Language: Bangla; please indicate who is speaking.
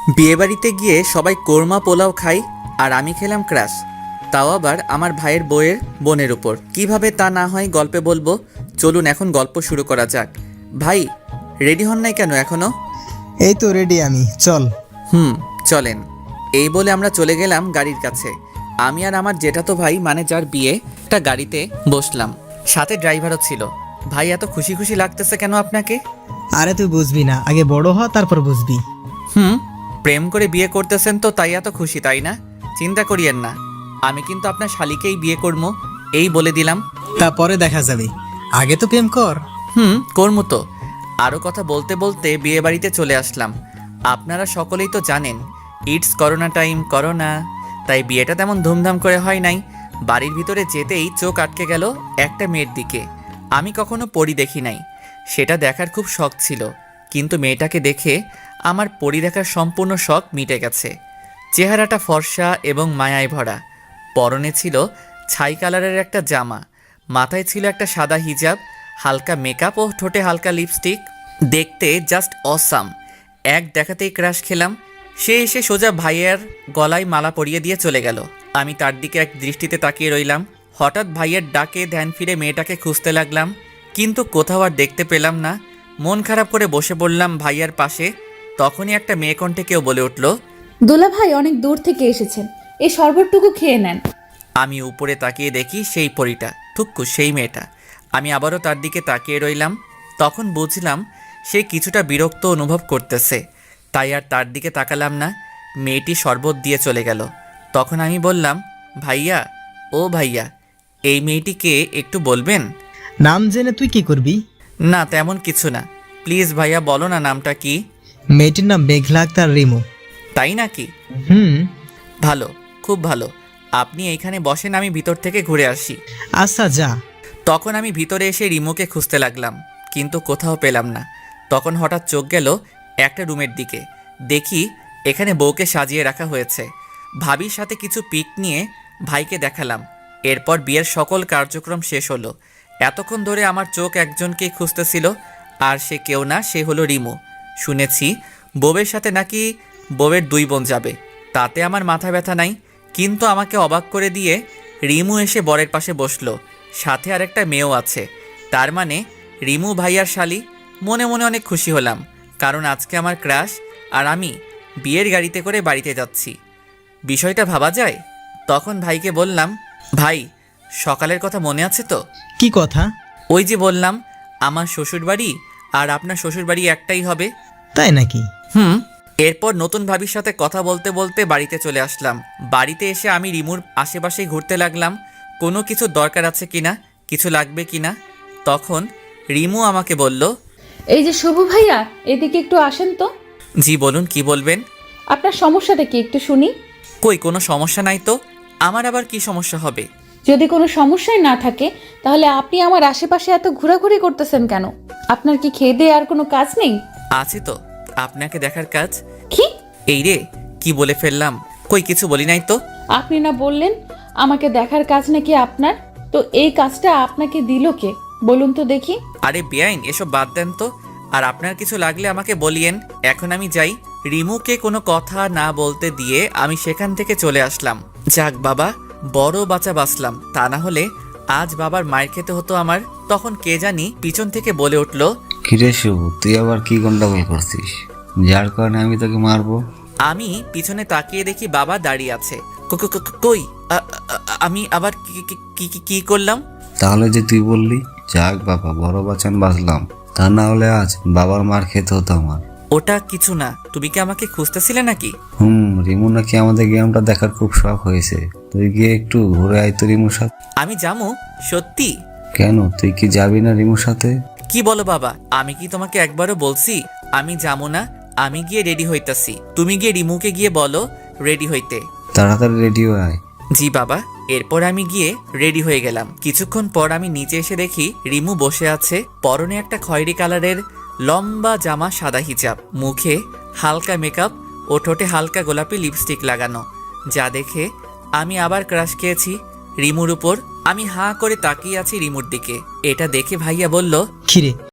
Speaker 1: বিয়েবাড়িতে গিয়ে সবাই কোরমা পোলাও খাই আর আমি খেলাম ক্রাশ, তাও আবার আমার ভাইয়ের বউয়ের বোনের উপর। কিভাবে তা না হয় গল্পে বলবো। চলুন এখন গল্প শুরু করা যাক। ভাই, রেডি হন নাই কেন এখনো?
Speaker 2: এই তো রেডি আমি, চল।
Speaker 1: চলেন। এই বলে আমরা চলে গেলাম গাড়ির কাছে। আমি আর আমার জেঠাতো ভাই, মানে যার বিয়ে, একটা গাড়িতে বসলাম, সাথে ড্রাইভারও ছিল। ভাই, এত খুশি খুশি লাগতেছে কেন আপনাকে?
Speaker 2: আরে তুই বুঝবি না, আগে বড় হ তারপর বুঝবি।
Speaker 1: প্রেম করে বিয়ে করতেছেন তো তাই এত খুশি, তাই না? চিন্তা করিয়েন না, আমি কিন্তু আপনার শালিকেই বিয়ে করবো, এই বলে দিলাম।
Speaker 2: তারপরে দেখা যাবে, আগে তো প্রেম কর।
Speaker 1: করবো তো। আরও কথা বলতে বলতে বিয়ে বাড়িতে চলে আসলাম। আপনারা সকলেই তো জানেন, ইটস করোনা টাইম, করোনা, তাই বিয়েটা তেমন ধুমধাম করে হয় নাই। বাড়ির ভিতরে যেতেই চোখ আটকে গেল একটা মেয়ের দিকে। আমি কখনো পরি দেখি নাই, সেটা দেখার খুব শখ ছিল, কিন্তু মেয়েটাকে দেখে আমার পরি দেখার সম্পূর্ণ শখ মিটে গেছে। চেহারাটা ফর্সা এবং মায়ায় ভরা। পরনে ছিল ছাই কালারের একটা জামা, মাথায় ছিল একটা সাদা হিজাব, হালকা মেকআপ ও ঠোঁটে হালকা লিপস্টিক। দেখতে জাস্ট অসাম। এক দেখাতেই ক্রাশ খেলাম। সে এসে সোজা ভাইয়ের গলায় মালা পরিয়ে দিয়ে চলে গেল। আমি তার দিকে এক দৃষ্টিতে তাকিয়ে রইলাম। হঠাৎ ভাইয়ের ডাকে ধ্যান ফিরে মেয়েটাকে খুঁজতে লাগলাম, কিন্তু কোথাও আর দেখতে পেলাম না। মন খারাপ করে বসে পড়লাম ভাইয়ার পাশে। তখনই একটা মেয়ে কণ্ঠে কেউ বলে উঠল,
Speaker 3: দোলা ভাই অনেক দূর থেকে এসেছেন, এই শরবতটুকু খেয়ে নেন।
Speaker 1: আমি উপরে তাকিয়ে দেখি সেই পরীটা, থুক্কু সেই মেয়েটা। আমি আবারও তার দিকে তাকিয়ে রইলাম। তখন বুঝলাম সে কিছুটা বিরক্ত অনুভব করতেছে, তাই আর তার দিকে তাকালাম না। মেয়েটি শরবত দিয়ে চলে গেল। তখন আমি বললাম, ভাইয়া, ও ভাইয়া, এই মেয়েটিকে একটু বলবেন?
Speaker 2: নাম জেনে তুই কি করবি?
Speaker 1: না, তেমন কিছু না। প্লিজ ভাইয়া, বলো না নামটা কি।
Speaker 2: মেয়েটির নাম মেঘলা আক্তার রিমু।
Speaker 1: তাই নাকি?
Speaker 2: হুম।
Speaker 1: ভালো, খুব ভালো। আপনি এইখানে বসেন, আমি ভিতর থেকে ঘুরে আসি।
Speaker 2: আচ্ছা যা।
Speaker 1: তখন আমি ভিতরে এসে রিমুকে খুঁজতে লাগলাম, কিন্তু কোথাও পেলাম না। তখন হঠাৎ চোখ গেল একটা রুমের দিকে। দেখি এখানে বউকে সাজিয়ে রাখা হয়েছে। ভাবির সাথে কিছু পিক নিয়ে ভাইকে দেখালাম। এরপর বিয়ের সকল কার্যক্রম শেষ হলো। এতক্ষণ ধরে আমার চোখ একজনকেই খুঁজতেছিল, আর সে কেউ না, সে হলো রিমু। শুনেছি বউয়ের সাথে নাকি বউয়ের 2 বোন যাবে, তাতে আমার মাথা ব্যথা নাই। কিন্তু আমাকে অবাক করে দিয়ে রিমু এসে বরের পাশে বসলো, সাথে আর একটা মেয়েও আছে। তার মানে রিমু ভাইয়ার শালি। মনে মনে অনেক খুশি হলাম, কারণ আজকে আমার ক্রাশ আর আমি বিয়ের গাড়িতে করে বাড়িতে যাচ্ছি। বিষয়টা ভাবা যায়। তখন ভাইকে বললাম, ভাই, সকালের কথা মনে আছে তো?
Speaker 2: কি কথা?
Speaker 1: ওই যে বললাম আমার শ্বশুরবাড়ি আর আপনার শ্বশুরবাড়ি একটাই হবে।
Speaker 2: তাই নাকি?
Speaker 1: এরপর নতুন ভাবির সাথে কথা বলতে বলতে বাড়িতে চলে আসলাম। বাড়িতে এসে আমি রিমুর আশেপাশেই ঘুরতে লাগলাম, কোনো কিছু দরকার আছে কিনা, কিছু লাগবে কিনা। তখন রিমু আমাকে বলল,
Speaker 3: এই যে শুভ ভাইয়া, এদিকে একটু আসেন তো।
Speaker 1: জি বলুন, কি বলবেন?
Speaker 3: আপনার সমস্যাটা কি একটু শুনি।
Speaker 1: কই, কোনো সমস্যা নাই তো। আমার আবার কি সমস্যা হবে?
Speaker 3: যদি কোনো সমস্যাই না থাকে, তাহলে আপনি আমার আশেপাশে এত ঘোরাঘুরি করতেছেন কেন? আপনার কি খেয়ে দিয়ে আর কোনো কাজ নেই?
Speaker 1: আছে তো, আপনাকে দেখার কাজ।
Speaker 3: কি?
Speaker 1: এই রে, কি বলে ফেললাম। কই, কিছু বলি নাই তো।
Speaker 3: আপনি না বললেন আমাকে দেখার কাজ নাকি আপনার? তো এই কাজটা আপনাকে দিল কে, বলুন তো দেখি।
Speaker 1: আরে বেআইন, এসব বাদ দেন তো। আর আপনার কিছু লাগলে আমাকে বলিয়েন। এখন আমি যাই। রিমুকে কোনো কথা না বলতে দিয়ে আমি সেখান থেকে চলে আসলাম। যাক বাবা, বড় বাঁচা বাঁচলাম, তা না হলে আজ বাবার মায়ের খেতে হতো আমার। তখন কে জানি পিছন থেকে বলে উঠল,
Speaker 4: কিরে শুভ, তুই আবার কি গন্ডগোল করছিস, যার কারণে আমি তোকে মারবো?
Speaker 1: আমি পিছনে তাকিয়ে দেখি বাবা দাঁড়িয়ে আছে। কই, আমি আবার কি করলাম?
Speaker 4: তাহলে যে তুই বললি, যাক বাবা, বড় বাঁচান বাঁচলাম, তা না হলে আজ বাবার মার খেতে হতো আমার।
Speaker 1: ওটা কিছু না। তুমি কি আমাকে খুঁজতেছিলে নাকি?
Speaker 4: রিমু নাকি আমাদের গেমটা দেখার খুব শখ হয়েছে, তুই গিয়ে একটু ঘুরে আয় তো রিমুর সাথে।
Speaker 1: আমি যাবো? সত্যি?
Speaker 4: কেন, তুই কি যাবি না রিমুর সাথে?
Speaker 1: কি বলো বাবা, আমি কি তোমাকে একবারও বলছি আমি যাবো না? আমি গিয়ে রেডি হইতাছি, তুমি গিয়ে রিমুকে গিয়ে বলো রেডি হইতে।
Speaker 4: তাড়াতাড়ি রেডি হয়ে আয়।
Speaker 1: জি বাবা। এরপর আমি গিয়ে রেডি হয়ে গেলাম। কিছুক্ষণ পর আমি নিচে এসে দেখি রিমু বসে আছে, পরনে একটা খয়েরি কালারের লম্বা জামা, সাদা হিজাব, মুখে হালকা মেকআপ ও ঠোঁটে হালকা গোলাপি লিপস্টিক লাগানো। যা দেখে আমি আবার ক্রাশ খেয়েছি রিমুর উপর। আমি হাঁ করে তাকিয়ে আছি রিমুর দিকে। এটা দেখে ভাইয়া বলল,
Speaker 2: কিরে